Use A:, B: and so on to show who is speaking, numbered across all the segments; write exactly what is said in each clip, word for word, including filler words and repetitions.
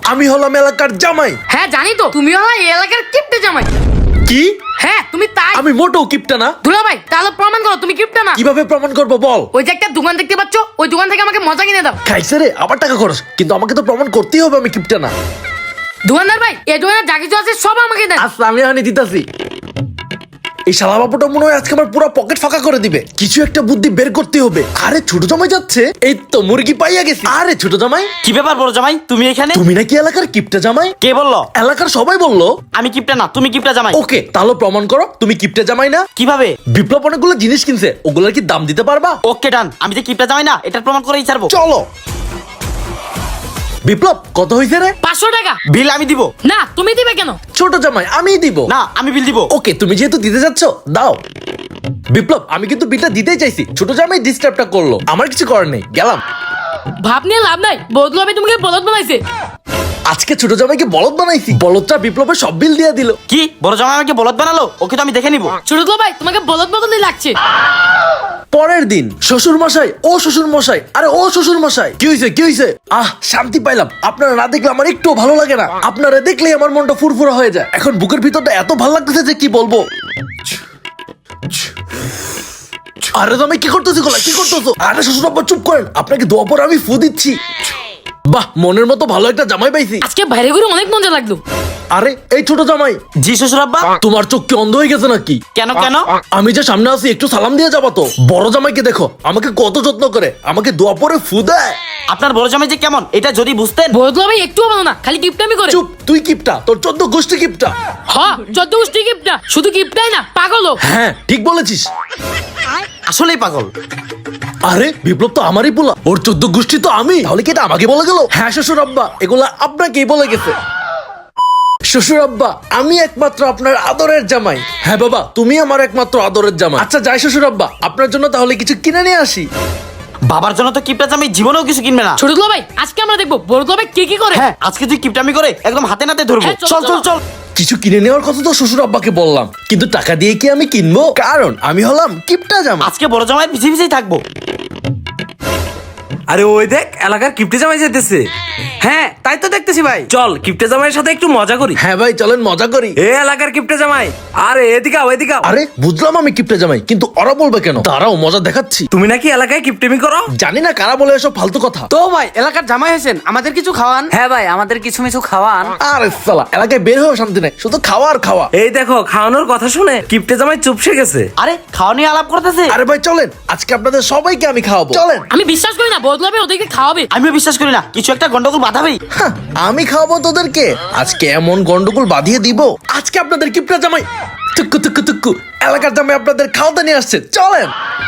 A: আমি হলাম এলাকার জামাই।
B: হ্যাঁ জানি তো, তুমি হলো এই এলাকার কিপটে জামাই।
A: কি?
B: হ্যাঁ তুমি তাই।
A: আমি মোটেও কিপটা না।
B: দুলা ভাই তাহলে প্রমাণ করো তুমি কিপটে না।
A: কিভাবে প্রমাণ করবো বল?
B: ওই যে একটা দোকান দেখতে পাচ্ছ, ওই দোকান থেকে আমাকে মজা কিনে দাও।
A: খাইছে রে, আবার টাকা খরচ, কিন্তু আমাকে তো প্রমাণ করতেই হবে আমি কিপটা না।
B: দোকানদার ভাই এই দোকানে যা কিছু আছে সব আমাকে দেন।
A: আচ্ছা আমি এখানে দিতাছি। এই শালা বাবুটা মনে হয় আজকে আমার পুরো পকেট ফাঁকা করে দিবে। কিছু একটা বুদ্ধি বের করতে হবে। আরে ছোট জামাই যাচ্ছে, এই তো মুরগি পাইয়া গেছি। আরে ছোট জামাই,
C: কি ব্যাপার বড় জামাই, তুমি এখানে?
A: তুমি নাকি এলাকার কিপটা জামাই?
C: কে বললো?
A: এলাকার সবাই বললো।
C: আমি কিপটা না, তুমি কিপটা জামাই।
A: ওকে, তাহলে প্রমাণ করো তুমি কিপটা জামাই না।
C: কিভাবে?
A: বিপ্লব অনেকগুলো জিনিস কিনছে, ওগুলোর কি দাম দিতে পারবা?
C: ওকে ডান, আমি যে কিপটা জামাই না এটার প্রমাণ করেই ছাড়বো।
A: চলো। বিপ্লব কত হয়েছে রে?
B: পাঁচশো টাকা।
C: বিল আমি দিব।
B: না তুমি দিবে কেন?
A: ছোট জামাই আমিই দিব।
C: না আমি বিল দিব।
A: ওকে, তুমি যেহেতু দিতে যাচ্ছ দাও। বিপ্লব আমি কিন্তু বিলটা দিতেই চাইছি, ছোট জামাই ডিস্টার্বটা করলো, আমার কিছু করার নেই, গেলাম।
B: ভাব নিয়ে লাভ নাই, বদলু আমি তোমাকে বলদ বানাইছে।
A: আজকে ছোট জামাইকে বলদ বানাইছি, বলদটা বিপ্লবের সব বিল দিয়ে দিল।
C: কি বড় জামাই আমাকে বলদ বানালো? ওকে তো আমি দেখে নিব।
B: ছোট দুলা ভাই তোমাকে বলদ বদলই লাগছে।
A: পরের দিন শ্বশুর মশাই, ও শ্বশুর মশাই, আরে ও শ্বশুর মশাই, কি হয়েছে কি হয়েছে? আহ শান্তি পাইলাম, আপনারা না দেখলে আমার একটু ভালো লাগে না, আপনারা দেখলেই আমার মনটা ফুরফুরা হয়ে যায়। এখন বুকের ভিতরটা এত ভালো লাগতেছে যে কি বলবো। আরে জামাই কি করতেছি গোলা, কি করতেছো? আরে শ্বশুর আব্বা চুপ করেন, আপনাকে দোয়া পরে আমি ফু দিচ্ছি। বাহ, মনের মতো ভালো একটা জামাই পাইছি।
B: আজকে বাইরে ঘুরে অনেক মজা লাগলো।
A: আরে এই ছোট জামাই,
C: জি শ্বশুর আব্বা।
A: তোমার চোখ কি অন্ধ হয়ে গেছে নাকি?
C: কেন কেন?
A: আমি যে সামনে আছি একটু সালাম দিয়ে যাবা তো। বড় জামাইকে দেখো আমাকে কত যত্ন করে, আমাকে দোয়া পরে ফু দেয়।
C: আপনার বড় জামাই যে কেমন এটা যদি বুঝতেন।
B: বদলু ভাই একটুও ভালো না, খালি কিপটামি করে।
A: চুপ, তুই কিপটা, তোর চোদ্দ গোষ্ঠী কিপটা।
B: হ্যাঁ যত গোষ্ঠী কিপটা, শুধু কিপটাই না পাগলও।
A: হ্যাঁ ঠিক বলেছিস।
C: আসলেই পাগল।
A: আরে বিপ্লব তো আমারই পোলা, ওর চোদ্দ গোষ্ঠী তো আমি, তাহলে কি এটা আমাকে বলে গেল? হ্যাঁ শ্বশুর আব্বা, এগুলা আপনাকেই বলে গেছে। শ্বশুর আব্বা আমি একমাত্র আপনার আদরের জামাই। হ্যাঁ বাবা, তুমি আমার একমাত্র আদরের জামাই। আচ্ছা যাই শ্বশুর আব্বা, আপনার জন্য তাহলে কিছু কিনে নিয়ে আসি।
C: বাবার জন্য তো কিপটা জামাই জীবনেও কিছু কিনবে না।
B: ছোট দুলা ভাই আজকে আমরা দেখবো বড় দুলা ভাই কি কি করে।
C: হ্যাঁ আজকে তুই কিপটামি করে একদম হাতে নাতে ধরবো।
B: হ্যাঁ, চল,
C: চল চল
B: চল।
C: চল।
A: কিছু কিনে নেওয়ার কথা তো শ্বশুর আব্বাকে বললাম, কিন্তু টাকা দিয়ে কি আমি কিনবো? কারণ আমি হলাম কিপটা জামা।
C: আজকে বড় জামাই পিছিয়ে পিছিয়ে থাকবো।
D: আরে ওই দেখ এলাকার কিপটে জামাই যেতেছে। হ্যাঁ তাই তো দেখতেছি ভাই, চল কিপটে জামাইয়ের সাথে একটু মজা করি।
A: হ্যাঁ ভাই চলেন মজা করি।
D: এ এলাকার কিপটে জামাই, আরে এদিকে আও এদিকে আও।
A: আরে বুঝলাম আমি কিপটে জামাই, কিন্তু ওরা বলবে কেন? তারাও মজা দেখাচ্ছি।
D: তুমি নাকি এলাকায় কিপটেমি করো?
A: জানি না কারা বলে এসব ফালতু কথা।
E: তো ভাই এলাকার জামাই হয়েছেন, আমাদের কিছু খাওয়ান। হ্যাঁ ভাই আমাদের কিছু মিছু খাওয়ান।
A: আরে সালা, এলাকায় বের হয়েও শান্তি নাই, শুধু খাওয়া আর খাওয়া।
D: এই দেখো খাওয়ানোর কথা শুনে কিপটে জামাই চুপসে গেছে।
C: আরে খাওয়া নিয়ে আলাপ করতেছে।
A: আরে ভাই চলেন, আজকে আপনাদের সবাইকে আমি খাওয়াবো, চলেন।
B: আমি বিশ্বাস করি না বদলু ভাই ওদেরকে খাওয়াবে।
C: আমিও বিশ্বাস করি না, কিছু একটা গন্ডগোল বাঁধাবেই।
A: হ্যাঁ, আমি খাওয়াবো তোদেরকে, আজকে এমন গন্ডগোল বাঁধিয়ে দিব। আজকে আপনাদের কিপটা জামাই টুকু টুকু টুকু এলাকার জামাই আপনাদের খাওয়াতে নিয়ে আসছে, চলেন।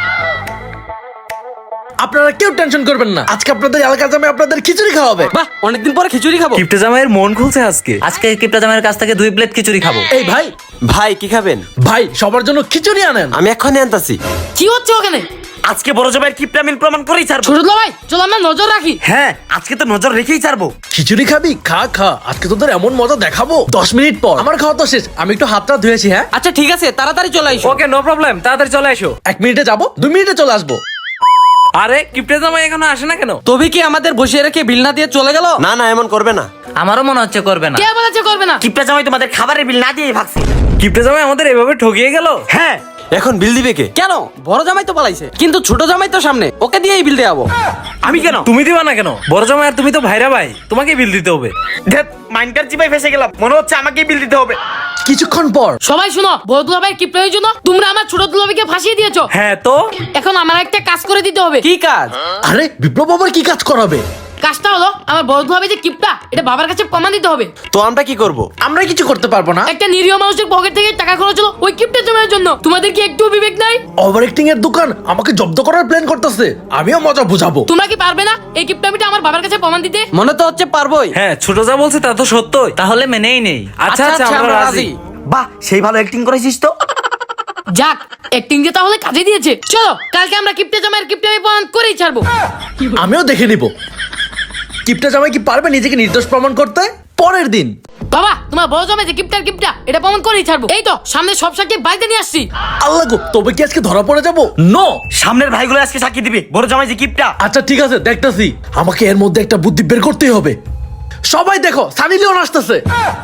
A: আপনারা কেউ টেনশন করবেন না, আজকে আপনাদের এলাকার জামাই আপনাদের খিচুড়ি খাওয়াবে।
E: বাহ অনেকদিন পরে খিচুড়ি খাবো।
D: কিপটে জামাইয়ের মন খুলছে আজকে।
E: আজকে কিপটা জামাইয়ের কাছ থেকে দুই প্লেট খিচুড়ি খাবো।
A: এই ভাই,
C: ভাই কি খাবেন?
A: ভাই সবার জন্য খিচুড়ি আনেন।
C: আমি এক্ষুনি আনতাছি।
B: কি হচ্ছে ওখানে?
C: আজকে বড় জামাইয়ের কিপটামিন প্রমাণ করেই ছাড়বো।
B: ছোট দুলা ভাই চলো আমরা নজর রাখি।
C: হ্যাঁ আজকে তো নজর রেখেই ছাড়বো।
A: খিচুড়ি খাবি? খা খা, আজকে তোদের এমন মজা দেখাবো। দশ মিনিট পর আমার খাওয়া তো শেষ, আমি একটু হাতটা ধুয়েছি। হ্যাঁ
E: আচ্ছা ঠিক আছে তাড়াতাড়ি চলে আইসো।
D: ওকে নো প্রবলেম, তাড়াতাড়ি চলে এসো।
A: এক মিনিটে যাবো, দুই মিনিটে চলে আসবো।
D: আরে কিপটে জামাই এখনো আসে না কেন?
E: তবে কি আমাদের বসিয়ে রেখে বিল না দিয়ে চলে গেল?
C: না না এমন করবে না।
E: আমারও মনে হচ্ছে করবে না।
B: কে বলেছে করবে না?
C: কিপটা জামাই তোমাদের খাবারের বিল না দিয়েই ভাগছে।
D: কিপটে জামাই আমাদের এভাবে ঠকিয়ে গেল।
C: হ্যাঁ এখন বিল দিবে কে?
E: কেন বড় জামাই তো পালাইছে, কিন্তু ছোট জামাই তো সামনে, ওকে দিয়েই বিল দেওয়াবো।
D: আমি কেন? তুমি দিবা না কেন? বড় জামাই আর তুমি তো ভাইরা ভাই, তোমাকে বিল দিতে হবে।
C: ধ্যাৎ, মাইন্ডার চিপায় ফেসে গেলাম, মনে হচ্ছে আমাকেই বিল দিতে হবে।
A: কিছুক্ষণ পর
B: সবাই শুনো, বড় দুলা ভাই কিপটামির জন্য তোমরা আমার ছোট দুলা ভাইকে ফাঁসিয়ে দিয়েছো।
D: হ্যাঁ তো
B: এখন আমার একটা কাজ করে দিতে হবে।
E: কি কাজ?
A: আরে বিপ্লব আবার কি কাজ করাবে?
B: কাজটা হলো আমার বড় দুলা ভাই যে কিপটা এটা বাবার কাছে প্রমাণ দিতে হবে।
C: তো আমরা কি করব?
A: আমরা কিছু করতে পারবো না।
B: একটা নিরীহ মানুষের পকেট থেকে টাকা খরচ হলো ওই কিপটা জমার জন্য। তোমাদের কি একটু বিবেক নাই?
A: ওভার অ্যাক্টিং এর দোকান আমাকে জব্দ করার প্ল্যান করতেছে, আমিও মজা বুঝাবো।
B: তোমরা কি পারবে না এই কিপটামিটা আমার বাবার কাছে প্রমাণ দিতে?
E: মনে তো হচ্ছে পারবোই।
D: হ্যাঁ ছোট যা বলছে তা তো সত্যই।
E: তাহলে মেনেই নেই।
D: আচ্ছা আচ্ছা আমরা রাজি।
C: বাহ সেই ভালো অ্যাক্টিং করেছিস তো।
B: যাক অ্যাক্টিং যে তাহলে কাজে দিয়েছে। চলো কালকে আমরা কিপটা জামাইয়ের কিপটামি প্রমাণ করেই ছাড়বো।
A: আমিও দেখে নিব কিপটা জামাই কি পারবে নিজেকে নির্দোষ প্রমাণ করতে। পরের দিন
B: বাবা তোমার বড় জামাই যে কিপটার কিপটা এটা প্রমাণ করেই ছাড়বো। এই তো সামনে সব সাক্ষী বাড়িতে নিয়ে আসছি।
A: আল্লাহ গো, তবে কি আজকে ধরা পড়ে যাবো? নো,
C: সামনের ভাইগুলো আজকে সাক্ষী দিবে বড় জামাই যে কিপটা।
A: আচ্ছা ঠিক আছে দেখতাছি, আমাকে এর মধ্যে একটা বুদ্ধি বের করতেই হবে। সবাই দেখো সানি লিওন আসতেছে।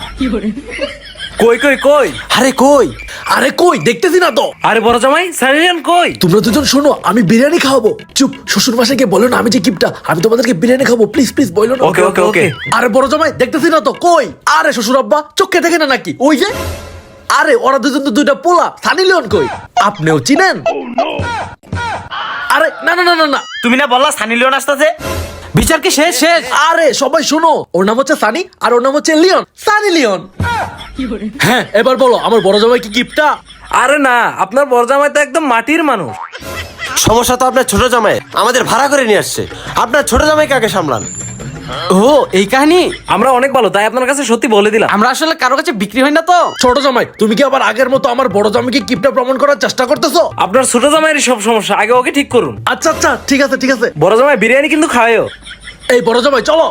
D: কই কই কই
A: আরে কই আরে কই দেখতেছি না তো।
D: আরে বড় জামাই সারিয়ান কই?
A: তোমরা দুজন শোনো, আমি বিরিয়ানি খাওয়াবো। চুপ, শ্বশুর মশাইকে বলো না আমি যে কিপটা, আমি তোমাদেরকে বিরিয়ানি খাবো। প্লিজ প্লিজ বলো না।
D: ওকে ওকে ওকে।
A: আরে বড় জামাই দেখতেছি না তো, কই? আরে শ্বশুর আব্বা চোখে দেখে না নাকি? ওই যে, আরে ওরা দুজন তো দুইটা পোলা। সানি লিওন কই? আপনিও চিনেন? আরে না না না না না,
C: তুমি না বললা সানি লিওন আসতেছে?
E: বিচার কি শেষ শেষ?
A: আরে সবাই শোনো, ওর নাম হচ্ছে সানি আর ওর নাম হচ্ছে লিওন, সানি লিওন। হ্যাঁ এবার বলো, আমার বড় জামাই কি কিপটা?
D: আরে না, আপনার বড় জামাই তো একদম মাটির মানুষ।
F: সমস্যা তো আপনার ছোট জামাই আমাদের ভাড়া করে নিয়ে আসছে। আপনার ছোট জামাইকে আগে সামলান।
E: ও এই কাহিনী।
D: আমরা অনেক ভালো, তাই আপনার কাছে সত্যি বলে দিলাম।
E: আমরা আসলে কারো কাছে বিক্রি হয় না তো।
A: ছোট জামাই তুমি কি আবার আগের মতো আমার বড় জামাইকে কিপটা প্রমাণ করার চেষ্টা করতেছো?
D: আপনার ছোট জামাইয়ের সব সমস্যা, আগে ওকে ঠিক করুন।
A: আচ্ছা আচ্ছা ঠিক আছে ঠিক আছে।
D: বড় জামাই বিরিয়ানি কিন্তু খাওয়াও।
A: এই বড় জামাই চলো।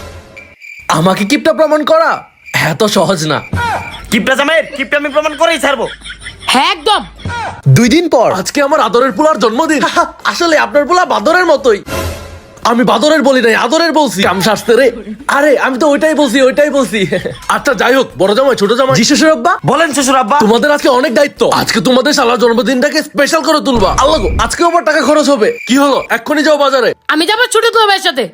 A: আমাকে কিপটা প্রমাণ করা এত সহজ না।
C: কিপটা জামাইয়ের কিপটা আমি প্রমাণ করেই ছাড়বো।
B: হ্যাঁ একদম।
A: দুই দিন পর আজকে আমার আদরের পোলার জন্মদিন। আসলে আপনার পোলা বাদরের মতোই। আমি বাদরের বলি নাই, আদরের বলছি। কাম শাস্তে রে। আরে আমি তো ওইটাই বলছি ওইটাই বলছি। আচ্ছা যাই হোক, বড় জামাই ছোট জামাই জি শ্বশুর আব্বা,
C: বলেন শ্বশুর আব্বা।
A: তোমাদের আজকে অনেক দায়িত্ব। আজকে তোমাদের শালা জন্মদিনটাকে স্পেশাল করে তুলবা। আল্লাহ গো, আজকেও আমার টাকা খরচ হবে। কি হলো, এক্ষুনি যাও বাজারে।
B: আমি যাবো ছোট তো ভাইয়ের সাথে।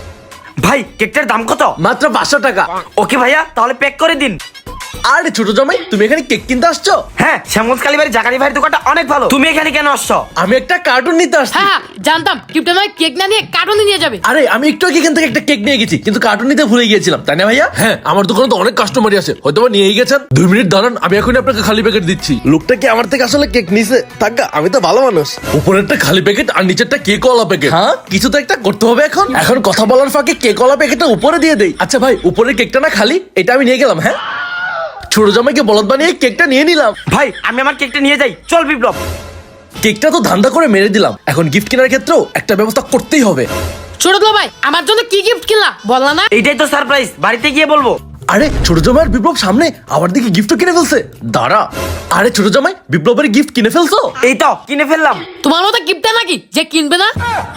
C: ভাই কেকটার দাম কত?
A: মাত্র পাঁচশো টাকা।
C: ওকে ভাইয়া, তাহলে প্যাক করে দিন।
A: আরে ছোট জামাই তুমি এখানে কেক কিনতে আসছো?
C: হ্যাঁ, শ্যামগঞ্জ কালীবাড়ি জাকারি ভাইয়ের দোকানটা অনেক ভালো। তুমি এখানে কেন আসছো?
A: আমি একটা কার্টুন নিতে আসছি।
B: হ্যাঁ হ্যাঁ, জানতাম কিপটা নয় কেক না নিয়ে কার্টুনে নিয়ে যাবে।
A: আরে আমি একটু আগে এখান থেকে একটা কেক নিয়ে গেছি, কিন্তু কার্টুন নিতে ভুলে গিয়েছিলাম, তাই না ভাইয়া? হ্যাঁ, আমার দোকানে তো অনেক কাস্টমারই আছে, হয়তো বা নিয়েই গেছেন। দুই মিনিট দাঁড়ান, আমি এখনই আপনাকে খালি প্যাকেট দিচ্ছি। লোকটা কি আমার থেকে আসলে কেক নিছে? টাকা, আমি তো ভালো মানুষ। উপরেরটা খালি প্যাকেট আর নিচেরটা কেক ওয়ালা প্যাকেট। হ্যাঁ, কিছু তো একটা করতে হবে এখন। এখন কথা বলার ফাঁকে কেক ওয়ালা প্যাকেটটা উপরে দিয়ে দেই। আচ্ছা ভাই, উপরের কেকটা না খালি, এটা আমি নিয়ে গেলাম। হ্যাঁ, ছোট জামাইকে বলদ বানিয়ে কেকটা নিয়ে নিলাম।
C: ভাই আমি আমার কেকটা নিয়ে যাই, চল বিপ্লব।
A: কেকটা তো ধান্দা করে মেরে দিলাম, এখন গিফট কেনার ক্ষেত্রেও একটা ব্যবস্থা করতেই হবে।
B: ছোট তো ভাই আমার জন্য কি গিফট কিনলা বললা না?
C: এইটাই তো সারপ্রাইজ, বাড়িতে গিয়ে বলবো।
A: আরে ছোট জামাইয়ের বিপ্লব সামনে, আবার দিকে গিফট কিনে ফেলছে। দাঁড়া, আরে ছোট জামাই বিপ্লবের গিফট কিনে ফেলছো?
C: এই তো কিনে ফেললাম।
B: তোমার মতো গিফটটা নাকি যে কিনবে না?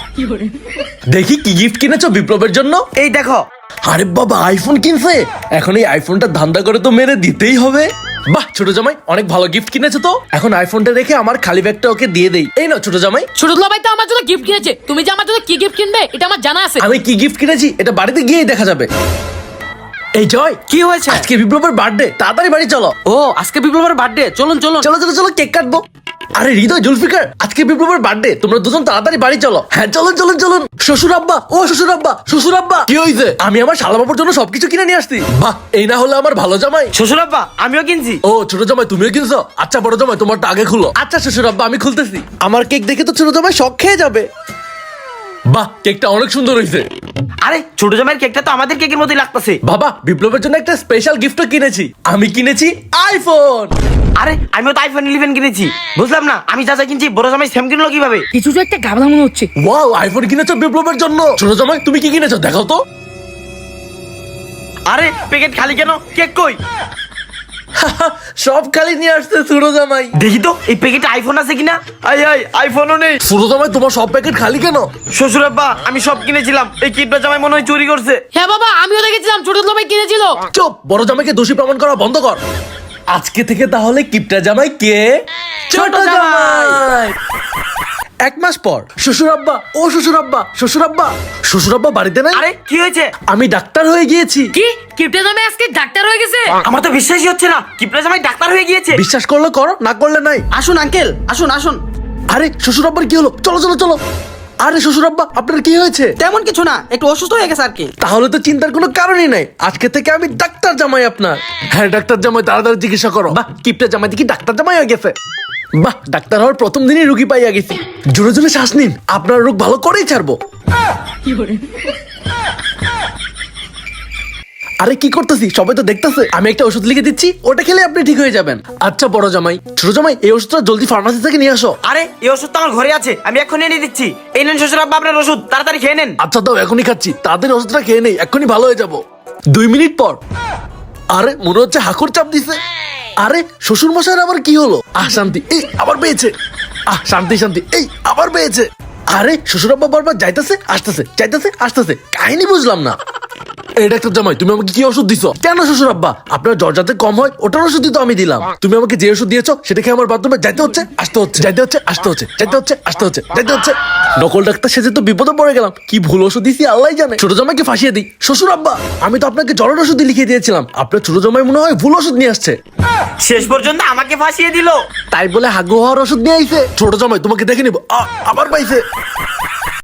A: দেখি কি গিফট কিনেছো বিপ্লবের জন্য।
C: এই দেখো।
A: আরে বাবা, আইফোন কিনছে। এখন এই আইফোনটা ধান্দা করে তো মেরে দিতেই হবে। বাহ ছোট জামাই, অনেক ভালো গিফট কিনেছো তো। এখন আইফোনটা রেখে আমার খালি ব্যাগটা ওকে দিয়ে দেই। এই নাও ছোট জামাই।
B: ছোট তো ভাই তো আমার জন্য গিফট কিনেছে, তুমি যে আমার জন্য কি গিফট কিনবে এটা আমার জানা আছে।
A: আমি কি গিফট কিনেছি এটা বাড়িতে গিয়েই দেখা যাবে। এই জয়,
E: কি হয়েছে?
A: আজকে বিপ্লবের বার্থডে, তাড়াতাড়ি বাড়ি চলো।
E: ও আজকে বিপ্লবের বার্থডে, চলুন চলুন।
A: চলো চলো চলো, কেক কাটবো। আরে হৃদয়, জুলফিকার, আজকে বিপ্লবের বার্থডে, তোমরা দুজন তাড়াতাড়ি বাড়ি চলো। হ্যাঁ চলুন চলুন চলুন। শ্বশুর আব্বা, ও শ্বশুর আব্বা, শ্বশুর আব্বা, কি হইছে? আমি আমার শালা বাবুর জন্য সবকিছু কিনে নিয়ে আসছি। বাহ, এই না হলে আমার ভালো জামাই।
C: শ্বশুর আব্বা আমিও কিনছি।
A: ও ছোট জামাই তুমিও কিনছো? আচ্ছা বড় জামাই তোমারটা আগে খুলো। আচ্ছা শ্বশুর আব্বা আমি খুলতেছি। আমার কেক দেখে তো ছোট জামাই শখ খেয়ে যাবে। বাহ, কেকটা অনেক সুন্দর হয়েছে।
C: আরে ছোট জামাইয়ের কেকটা তো আমাদের কেকের মতোই লাগতেছে।
A: বাবা, বিপ্লবের জন্য একটা স্পেশাল গিফটও কিনেছি। আমি কিনেছি আইফোন।
C: আরে আমিও তো আইফোন ইলেভেন কিনেছি। বুঝলাম না, আমি যা যা কিনছি বড় জামাই সেম কিনলো কিভাবে?
B: কিছু তো একটা গাবলা মনে হচ্ছে।
A: ওয়াও, আইফোন কিনেছো বিপ্লবের জন্য। ছোট জামাই তুমি কি কিনেছো দেখাও তো।
C: আরে প্যাকেট খালি কেন? কেক কই?
A: সব খালি নিয়ে আসছে ছোট জামাই।
C: দেখি তো এই প্যাকেটে আইফোন আছে কিনা। আই আই আইফোনও নেই।
A: ছোট জামাই তোমার সব প্যাকেট খালি কেন?
C: শ্বশুর আব্বা আমি সব কিনেছিলাম, এই কিপটা জামাই মনে হয় চুরি করছে।
B: হ্যাঁ বাবা আমিও দেখেছিলাম ছোট তো ভাই কিনেছিল।
A: চুপ, বড় জামাইকে দোষী প্রমাণ করা বন্ধ কর। আজকে থেকে তাহলে কিপটা জামাই কে? ছোট জামাই। এক মাস পর শ্বশুর আব্বা, ও শ্বশুর আব্বা, শ্বশুর আব্বা, শ্বশুর আব্বা বাড়িতে নাই।
C: আরে কি হয়েছে?
A: আমি ডাক্তার হয়ে গিয়েছি।
B: কি কিপটা জামাই আজকে ডাক্তার হয়ে গেছে?
C: আমার তো বিশ্বাসই হচ্ছে না, কিপটা জামাই ডাক্তার হয়ে গিয়েছে।
A: বিশ্বাস করলে করো, না করলে নাই।
E: আসুন আঙ্কেল, আসুন আসুন।
A: আরে শ্বশুর আব্বার কি হলো? চলো চলো চলো। আরে শ্বশুর আব্বা আপনার কি হয়েছে?
E: তেমন কিছু না, একটু অসুস্থ হয়ে গেছে আর কি।
A: তাহলে তো চিন্তার কোনো কারণই নাই। আজকে থেকে আমি ডাক্তার জামাই আপনার। হ্যাঁ ডাক্তার জামাই, তাড়াতাড়ি চিকিৎসা করো। বাহ, কিপটা জামাই দেখি ডাক্তার জামাই হয়ে গেছে। বাহ, ডাক্তার হওয়ার প্রথম দিনই রুগী পাইয়া গেছি। জোরে জোরে শ্বাস নিন, আপনার রোগ ভালো করেই ছাড়বো। আরে কি করতেছি, সবাই তো দেখতেছে। আমি একটা ওষুধ লিখে দিচ্ছি, ওটা খেলে আপনি ঠিক হয়ে যাবেন। আচ্ছা বড় জামাই, ছোট জামাই এই ওষুধটা জলদি ফার্মাসি থেকে নিয়ে আসো।
C: আরে এই ওষুধ তো আমার ঘরে আছে, আমি এক্ষুনি এনে দিচ্ছি। এই নেন শ্বশুর আব্বা আপনার ওষুধ, তাড়াতাড়ি খেয়ে নেন।
A: আচ্ছা দাও, এখনই খাচ্ছি। তাড়াতাড়ি ওষুধটা খেয়ে নেই, এক্ষুনি ভালো হয়ে যাবো। দুই মিনিট পর। আরে মনে হচ্ছে হাঁকুর চাপ দিছে। আরে শ্বশুর মশাইয়ের আবার কি হলো? আহ শান্তি, এই আবার পেয়েছে। আহ শান্তি শান্তি, এই আবার পেয়েছে। আরে শ্বশুর আব্বা বারবার যাইতেছে আসতেছে, যাইতেছে আসতেছে, কাহিনী বুঝলাম না। এই ডাক্তার জামাই, তুমি আমাকে কি ওষুধ দিছো? কেন শ্বশুর আব্বা, আপনার জ্বর যাতে কম হয় ওটার ওষুধই তো আমি দিলাম। তুমি আমাকে যে ওষুধ দিয়েছো সেটা খেয়ে আমার বাথরুমে যাইতে হচ্ছে আসতে হচ্ছে, যাইতে হচ্ছে আসতে হচ্ছে, যাইতে হচ্ছে আসতে হচ্ছে, যাইতে হচ্ছে। নকল ডাক্তার সেজে তো বিপদে পড়ে গেলাম। কি ভুল ওষুধ দিছি আল্লাহ জানে। ছোট জামাইকে ফাঁসিয়ে দিই। শ্বশুর আব্বা, আমি তো আপনাকে জ্বরের ওষুধই লিখে দিয়েছিলাম, আপনার ছোট জামাই মনে হয় ভুল ওষুধ নিয়ে আসছে।
C: শেষ পর্যন্ত আমাকে ফাঁসিয়ে দিল।
A: তাই বলে হাগু হওয়ার ওষুধ নিয়ে আইছে। ছোট জামাই তোমাকে দেখে নিব। আ, আবার পাইছে।